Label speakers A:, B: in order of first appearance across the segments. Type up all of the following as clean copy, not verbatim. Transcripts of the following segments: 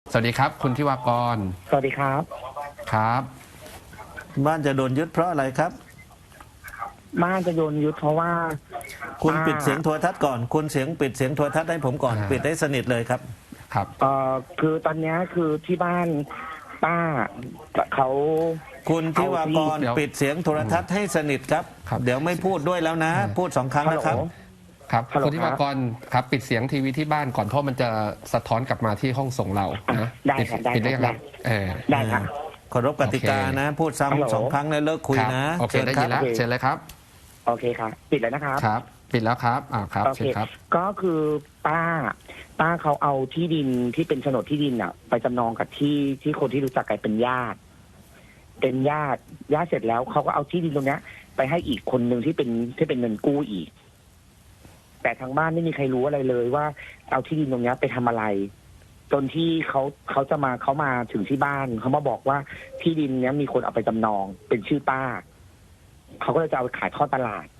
A: สวัสดีครับคุณทิวากร
B: สวัสดีครับ
A: ครับ
C: บ้านจะโดนยึดเพราะอะไรครับ
B: บ้านจะโดนยึดเพราะว่า
C: คุณปิดเสียงโทรทัศน์ก่อนคุณปิดเสียงโทรทัศน์ให้ผมก่อนปิดให้สนิทเลยครับ
A: ครับ
B: คือตอนนี้คือที่บ้านป้าเขา
C: คุณทิวากรปิดเสียงโทรทัศน์ให้สนิทครับเดี๋ยวไม่พูดด้วยแล้วนะพูด2 ครั้งนะครับ
A: ครับคุณทิวากรครับปิดเสียงทีวีที่บ้านก่อนเพราะมันจะสะท้อนกลับมาที่ห้องส่งเรานะ
B: ได้ครับ
A: ปิดได้ครับ
B: ได้ครับ
C: เคารพกติกานะพูดซ้ำ2 ครั้งแล้วเลิกคุยนะ
A: โอเคได้ยินแล้วเชิญเลยครับ
B: โอเคครับปิดแล้วนะครับ
A: ครับปิดแล้วครับครับ
B: โอเคครับก็คือป้าเขาเอาที่ดินที่เป็นโฉนดที่ดินอ่ะไปจำนองกับที่คนที่รู้จักกันเป็นญาติเสร็จแล้วเขาก็เอาที่ดินตรงเนี้ยไปให้อีกคนหนึ่งที่เป็นเงินกู้อีกแต่ทางบ้านไม่มีใครรู้อะไรเลยว่าเอาที่ดินตรงนี้ไปทำอะไรจนที่เขามาถึงที่บ้านเขามาบอกว่าที่ดินเนี้ยมีคนเอาไปจำนองเป็นชื่อป้าเขาก็เลยจะเอาไปขายทอดตลาด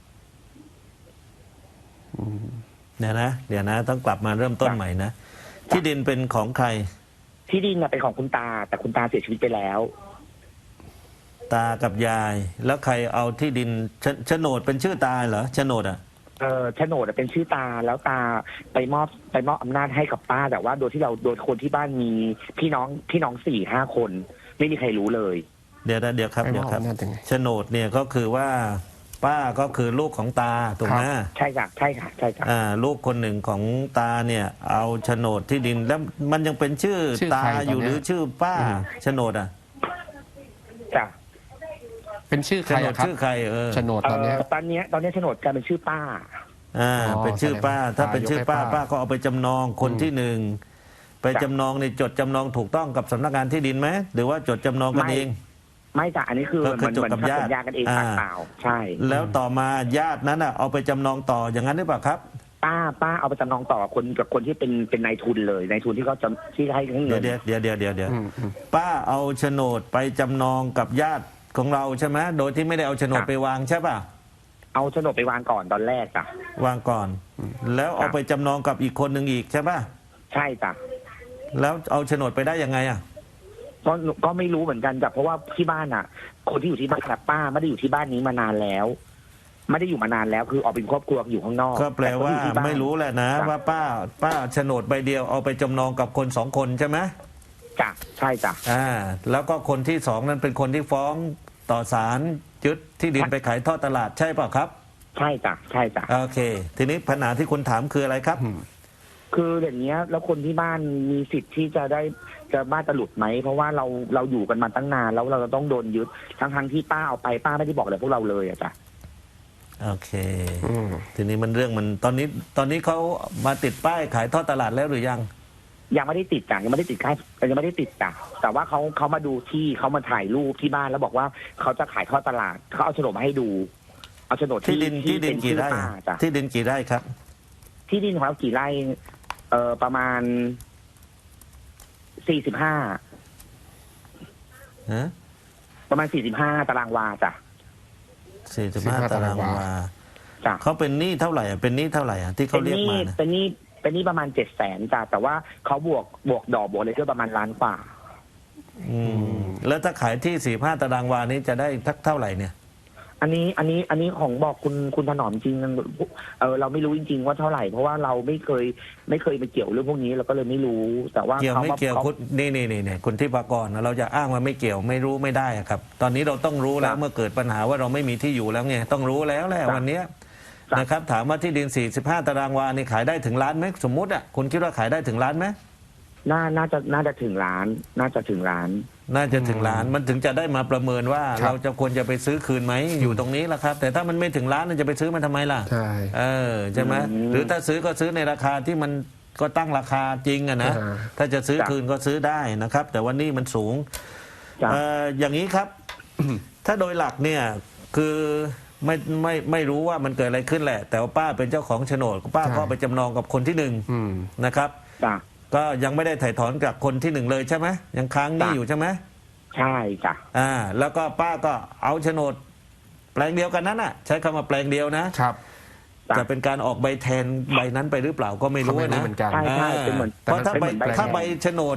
C: เดี๋ยวนะต้องกลับมาเริ่มต้นใหม่นะที่ดินเป็นของใคร
B: ที่ดินเป็นของคุณตาแต่คุณตาเสียชีวิตไปแล้ว
C: ตากับยายแล้วใครเอาที่ดินโฉนดเป็นชื่อตาเหรอโฉนดอ่ะ
B: โฉนดเป็นชื่อตาแล้วตาไปมอบอำนาจให้กับป้าแต่ว่าโดยคนที่บ้านมีพี่น้อง4-5 คนไม่มีใครรู้เลย
C: เดี๋ยวครับโฉนดเนี่ยก็คือว่าป้าก็คือลูกของตาถูกไหม
B: ใช่ค่ะ
C: ลูกคนหนึ่งของตาเนี่ยเอาโฉนดที่ดินแล้วมันยังเป็นชื่อตาอยู่หรือชื่อป้าโฉนดอ่ะ
B: จ้ะ
A: เป็นชื่อใครครับ
C: ชื่อใคร
A: โฉนดตอนนี้
B: โฉนดกลายเป็นชื่อป้า
C: เป็นชื่อป้าถ้าเป็นชื่อป้าก็เอาไปจำนองคนที่หนึ่งไปจำนองในจดจำนองถูกต้องกับสำนักงานที่ดินไหมหรือว่าจดจำนองกันเอง
B: ไม่จ้ะอันนี้คือมัน
C: จดกับญาติ
B: กันเองเปล่าใช่
C: แล้วต่อมาญาตินั้นเอาไปจำนองต่ออย่างนั้นหรือเปล่าครับ
B: ป้าเอาไปจำนองต่อกับคนที่เป็นนายทุนเลยนายทุนที่เขาที่ให้เงิน
C: เดี๋ยวป้าเอาโฉนดไปจำนองกับญาติของเราใช่ไหมโดยที่ไม่ได้เอาโฉนดไปวางใช่ป่ะ
B: เอาโฉนดไปวางก่อนตอนแรกจ้ะ
C: วางก่อนแล้วเอาไปจำนองกับอีกคนหนึ่งอีกใช่ป่ะ
B: ใช่จ้ะ
C: แล้วเอาโฉนดไปได้ยังไง
B: ก็ไม่รู้เหมือนกันจ้ะเพราะว่าที่บ้านคนที่อยู่ที่บ้านป้าไม่ได้อยู่ที่บ้านนี้มานานแล้วไม่ได้อยู่มานานแล้วคือออกเป็นครอบครัวอยู่ข้างนอก
C: ก็แปลว่าไม่รู้แหละนะว่าป้าโฉนดใบเดียวเอาไปจำนองกับคน2 คนใช่ไหม
B: จ้ะใช่จ้ะ
C: แล้วก็คนที่2นั้นเป็นคนที่ฟ้องต่อศาลยึดที่ดินไปขายทอดตลาดใช่เปล่าครับ
B: ใช่จ้ะ
C: โอเคทีนี้ปัญหาที่คุณถามคืออะไรครับ
B: คืออย่างเงี้ยแล้วคนที่บ้านมีสิทธิ์ที่จะบ้านจะหลุดไหมเพราะว่าเราอยู่กันมาตั้งนานแล้วเราจะต้องโดนยึดทั้งที่ป้าเอาไปป้าไม่ได้บอกอะไรพวกเราเลยจ้ะ
C: โอเคทีนี้มันเรื่องมันตอนนี้เขามาติดป้ายขายทอดตลาดแล้วหรือยัง
B: ไม่ได้ติดจ้ะยังไม่ได้ติดจ้ะแต่ว่าเขามาดูที่เขามาถ่ายรูปที่บ้านแล้วบอกว่าเขาจะขายทอดตลาดเขาเอาโฉนดมาให้ดูเอาโฉนด
C: ที่ดินกี่ไร่ที่ดินกี่ไร่ครับ
B: ที่ดินของเรากี่ไร่ประมาณ45ประมาณ45 ตารางวาจ้ะ
C: 45 ตารางวาจ้ะเขาเป็นหนี้เท่าไหร่เป็นหนี้เท่าไหร่ที่เขาเรียกมา
B: เป็นหนี้ประมาณ700,000จ้ะแต่ว่าเขาบวกดอกบวกอะไรก็ประมาณ1 ล้านกว่า
C: แล้วถ้าขายที่45 ตารางวานี้จะได้เท่าไหร่เนี่ย
B: อันนี้ของบอกคุณถนอมจริงเราไม่รู้จริงๆว่าเท่าไหร่เพราะว่าเราไม่เคยไปเกี่ยวเรื่องพวกนี้เราก็เลยไม่รู้แต่ว่า
C: เกี่ยวไม่เกี่ยวคุณนี่คุณทิพากรเราจะอ้างว่าไม่เกี่ยวไม่รู้ไม่ได้ครับตอนนี้เราต้องรู้แล้วเมื่อเกิดปัญหาว่าเราไม่มีที่อยู่แล้วไงต้องรู้แล้วแหละวันนี้นะครับถามว่าที่ดิน45 ตารางวานี่ขายได้ถึงล้านไหมสมมุติคุณคิดว่าขายได้ถึงล้านไหม
B: น่าจะถึงล้านน่าจะถึงล้าน
C: มันถึงจะได้มาประเมินว่าเราจะควรจะไปซื้อคืนไหมอยู่ตรงนี้แหละครับแต่ถ้ามันไม่ถึงล้านจะไปซื้อมันทำไมล่ะใช่ไหมหรือถ้าซื้อก็ซื้อในราคาที่มันก็ตั้งราคาจริงนะถ้าจะซื้อคืนก็ซื้อได้นะครับแต่ว่านี่มันสูงอย่างนี้ครับถ้าโดยหลักเนี่ยคือไม่รู้ว่ามันเกิดอะไรขึ้นแหละแต่ว่าป้าเป็นเจ้าของโฉนดป้าก็ไปจำนองกับคนที่1นะครับก็ยังไม่ได้ถ่ายถอนจากคนที่1เลยใช่ไหมยังค้างหนี้อยู่ใช่ไหม
B: ใช่จ้ะ
C: แล้วก็ป้าก็เอาโฉนดแปลงเดียวกันนั้นใช้คำว่าแปลงเดียวนะครับจะเป็นการออกใบแทนใบนั้นไปหรือเปล่าก็ไม่รู้นะ
B: ใช่เป็นเหมือน
C: เพราะถ้าใบโฉนดเนี่ย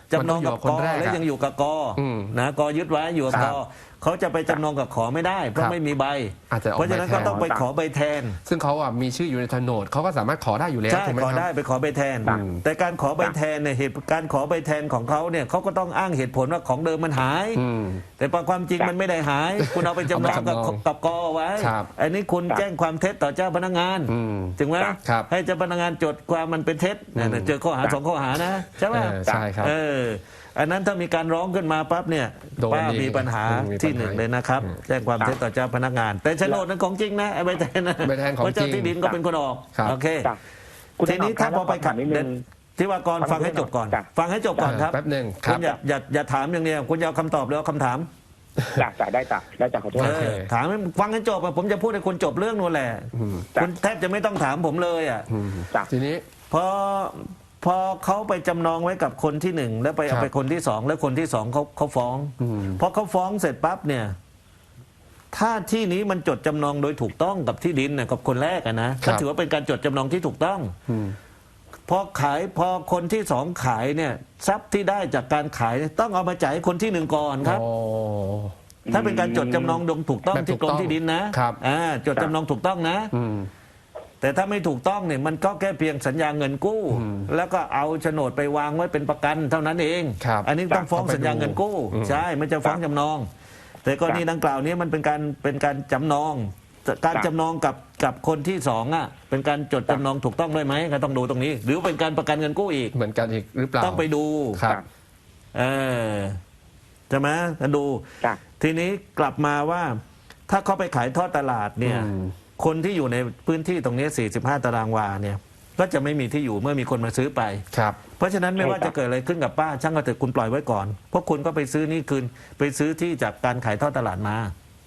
C: จำนองกับ
A: มันต้
C: ก
A: องอยู่กับคนแรก
C: แล้วยังอยู่กับก
A: อืม
C: นะกยึดไว้อยู่กับ
A: ค
C: ก
A: รับ
C: เขาจะไปจำนองกับขอไม่ได้ เพราะ
A: ครับ
C: ไม่มีใบ
A: อาจจะออก
C: เพราะฉะนั้น
A: ใบแทน
C: ก็ต้องไปขอใบแทน
A: ซึ่งเขามีชื่ออยู่ในโฉนดเขาก็สามารถขอได้อยู่แล้ว
C: ใช่
A: ถูกไหม
C: ขอ
A: ค
C: ได้
A: รับ
C: ไปขอใบแทน
A: อืม
C: แต่การขอใบแทนเนี่ยเหตุการขอใบแทนของเขาเนี่ยเขาก็ต้องอ้างเหตุผลว่าของเดิมมันหาย
A: อืม
C: แต่ความจริงมันไม่ได้หาย คุณเอาไปจำนอง
A: เอาไปจำนอง
C: กับกไว้
A: ครับ
C: อันนี้คุณแจ้งความเท็จต่อเจ้าพนักงาน
A: อืม
C: ถึงไหม
A: ครับ
C: ให้เจ้าพนักงานจดความมันเป็นเท็จเนี่ยเจอข้อหา2ข้อหานะใช่ไหม
A: ใช่ครับ
C: อันนั้นถ้ามีการร้องขึ้นมาปั๊บเนี่ย
A: โดน
C: ป้า
A: อีก
C: มีปัญหา
A: มีปัญหา
C: ที่หนึ่งเลยนะครับ แจ้งความเท็จต่อเจ้าพนักงาน แต่โฉนดนั้นของจริงนะไอ้ใบแทนนะ
A: ใบแทนของ
C: เพราะเจ้า
A: จริง
C: ที่ดินก็เป็นคนออก
A: ครับ
C: โอเค
B: จ้ะคุณ
C: ทีนี้ถ้าพอไปขัด
B: นิดนึง
C: ที่ว่ากรฟังให้จบก่อน
B: จ้ะ
C: ฟังให้จบก่อนครับ
A: แป๊บหนึ่งค
C: คุ
A: รับ
C: ณอย่าถามอย่างเดียวคุณอย่าเอาคำตอบหรือเอาคำถาม
B: จ้ะได้จ้ะขอโทษ
A: โอเค
C: ถามให้ฟังให้จบอะผมจะพูดให้คุณจบเรื่องนู่นแหละ
A: อืม
B: จ้ะ
C: คุณแทบจะไม่ต้องถามผมเลยอ่ะ
A: อืม
B: จ้ะ
A: ทีนี้
C: พอเขาไปจำนองไว้กับคนที่หนึ่งแล้วไปเอา
A: ครับ
C: ไปคนที่สองแล้วคนที่สองเขาฟ้อง
A: อืม
C: พอเขาฟ้องเสร็จปั๊บเนี่ย ถ้าที่นี้มันจดจำนองโดยถูกต้องกับที่ดินน่ะกับคนแรกอะนะก็ถือว่าเป็นการจดจำนองที่ถูกต้อง
A: อืม
C: พอคนที่สองขายเนี่ยทรัพย์ที่ได้จากการขายเนี่ยต้องเอามาจ่ายให้คนที่หนึ่งก่อนครับ
A: โอ้
C: ถ้าเป็นการจดจำนองถูกต้อง
A: แบบถู
C: ที่
A: ก
C: กร
A: ต้
C: ม
A: อง
C: ที่ดินนะครับ จดจำนองถูกต้องนะ
A: อืม
C: แต่ถ้าไม่ถูกต้องเนี่ยมันก็แค่เพียงสัญญาเงินกู้
A: อืม
C: แล้วก็เอาโฉนดไปวางไว้เป็นประกันเท่านั้นเอง
A: ครับ
C: อันนี้ต้องฟ้องสัญญาเงินกู้
A: อืม
C: ใช่ไม่จะฟ้องจำนอง แต่กรณีดังกล่าวนี้มันเป็นการจำนองการจำนองกับคนที่สองอ่ะเป็นการจดจำนองถูกต้องด้วยไหมก็ต้องดูตรงนี้ หรือเป็นการประกันเงินกู้อีก
A: เหมือนกันอีกหรือเปล่า
C: ต้องไปดู
A: ครับ
C: เออใช่ไหมดู
B: จ้ะ
C: ทีนี้กลับมาว่าถ้าเขาไปขายทอดตลาดเนี่ย
A: อืม
C: คนที่อยู่ในพื้นที่ตรงนี้ 45 ตารางวาเนี่ย ก็จะไม่มีที่อยู่เมื่อมีคนมาซื้อไป
A: ครับ
C: เพราะฉะนั้นไม่ว่าจะเกิดอะไรขึ้นกับป้าช่างก็เถอะคุณปล่อยไว้ก่อนเพราะคุณก็ไปซื้อนี่คืนไปซื้อที่จากการขายทอดตลาดมา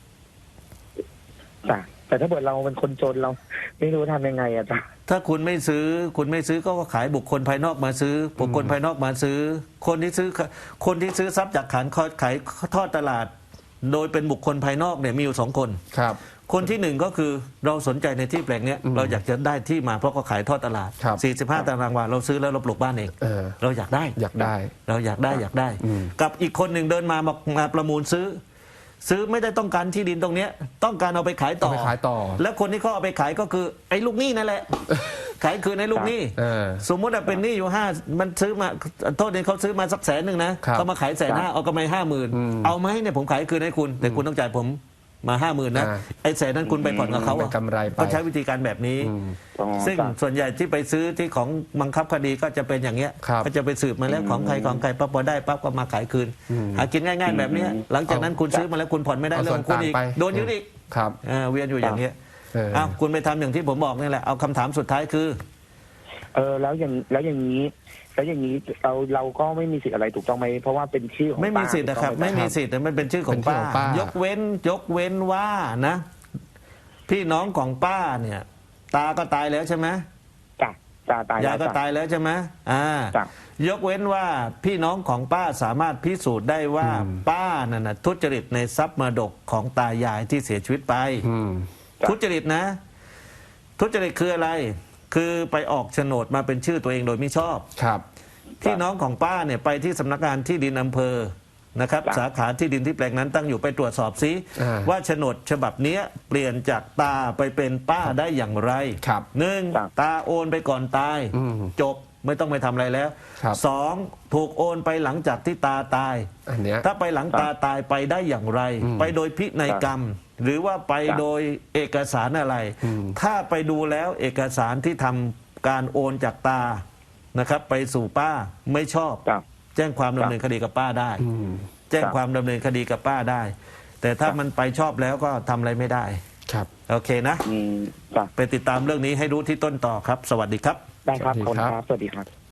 B: จ้ะแต่ถ้าเกิดเราเป็นคนจนเราไม่รู้ทำยังไงอะจ้ะ
C: ถ้าคุณไม่ซื้อก็ขายบุคคลภายนอกมาซื้อ บุคคลภายนอกมาซื้อ คนที่ซื้อทรัพย์จากขายทอดตลาด โดยเป็นบุคคลภายนอกเนี่ยมีอยู่2 คน
A: ครับ
C: คนที่หนึ่งก็คือเราสนใจในที่แปลงเนี้ย
A: อืม
C: เราอยากจะได้ที่มาเพราะเขาขายทอดตลาด
A: ครับ
C: 45 ตารางวาเราซื้อแล้วเราปลูกบ้านเอง เราอยากได้
A: อยากได้
C: เราอยากได้
A: อืม
C: กับอีกคนหนึ่งเดินมาประมูลซื้อไม่ได้ต้องการที่ดินตรงเนี้ยต้องการเอาไปขายต่
A: เอา
C: อ
A: ไปขายต่อ
C: แล้วคนที่เขาเอาไปขายก็คือไอ้ลูกหนี้นั่นแหละ ขายคืนไอ้ลูกหนี้
A: เออ
C: สมมติว่าเป็นหนี้อยู่มันซื้อมาโทษเนี่ยเขาซื้อมาสัก100,000นะครับ เขามาขาย150,000เอากำไร
A: อืม
C: 50,000เอาไหมเนี่ยผมขายคืนให้คุณ แต่คุณต้องจ่ายผมมา 50,000นะ ไอ้100,000นั้นคุณไปผ่อนกับเขา
A: เป็นกำไรไป
C: ก็ใช้วิธีการแบบนี้
A: อืม
B: อ๋อ
C: ซึ่ง
B: จ้ะ
C: ส่วนใหญ่ที่ไปซื้อที่ของบังคับคดีก็จะเป็นอย่างเงี้ย
A: ครับ
C: ก็จะไปสืบมาแล้วของใครปั๊บพอได้ปั๊บก็มาขายคืน
A: อืม
C: หากินง่ายๆแบบเนี้ยหลังจากนั้นคุณซื้อมาแล้วคุณผ่อนไม่ได้
A: เอา
C: เรื่
A: ส่
C: อ
A: วน
C: งของคุณอีก
A: ต่างไป
C: โดนยึดอีก
A: ครับ
C: เวียนอยู่อย่างเงี้ย
A: เออ
C: อ้าวคุณไปทำอย่างที่ผมบอกนี่แหละเอาคำถามสุดท้ายคือ
B: แล้วอย่างนี้เราก็ไม่มีสิทธิ์อะไรถูกต้องไหมเพราะว่าเป็นชื่อของ
C: ไม่มีสิทธิ์นะครับ
B: ป้าถูกต้องห
C: ไม่มีสิทธิ์มันเป็นชื่อของ
A: เป็นชื่อ
C: ป้า
A: ของป้าย
C: ยกเว้นว่านะ พี่น้องของป้าเนี่ย ตาก็ตายแล้วใช่ไหม
B: จ้ะจ้ะตาย
C: ยายก็
B: แล้วจ้ะ
C: ตายแล้วใช่ไหม
B: จ้ะ
C: ยกเว้นว่าพี่น้องของป้าสามารถพิสูจน์ได้ว่า
A: อืม
C: ป้านั่นนะทุจริตในทรัพย์มรดกของตายายที่เสียชีวิตไป
A: อืม
B: จ้ะ
C: ทุจริตนะ ทุจริตคืออะไร คือไปออกโฉนดมาเป็นชื่อตัวเองโดยไม่ชอบ
A: ครับ
C: พี่น้องของป้าเนี่ยไปที่สำนักงานที่ดินอำเภอนะครับ
B: จ้ะ
C: สาขาที่ดินที่แปลงนั้นตั้งอยู่ไปตรวจสอบซิ
A: อ่า
C: ว่าโฉนดฉบับเนี้ยเปลี่ยนจากตาไปเป็นป้าได้อย่างไร
A: ครับ
C: หนึ่ง
B: จ้ะ
C: ตาโอนไปก่อนตาย
A: อืม
C: จบไม่ต้องไปทำอะไรแล้ว
A: ครับ
C: สองถูกโอนไปหลังจากที่ตาตาย
A: อันเนี้ย
C: ถ้าไปหลังตาตายไปได้อย่างไร
A: อืม
C: ไปโดยพินัยกรรม หรือว่าไป
B: จ้ะ
C: โดยเอกสารอะไร
A: อืม
C: ถ้าไปดูแล้วเอกสารที่ทำการโอนจากตานะครับ ไปสู่ป้าไม่ชอบ
B: จ้ะ
C: แจ้งความดำเนินคดีกับป้าได้
A: อืม
C: แจ้งความดำเนินคดีกับป้าได้ แต่ถ้า
B: จ้ะ
C: มันไปชอบแล้วก็ทำอะไรไม่ได้
A: ครับ
C: โอเคนะ
B: จ้ะ
C: ไปติดตามเรื่องนี้ให้รู้ที่ต้นต่อครับ สวัสดีครับ
B: ได้ครับ
A: สวัสดี
B: ขอบคุณ
A: ครับ
B: ครับสวัสดีครับ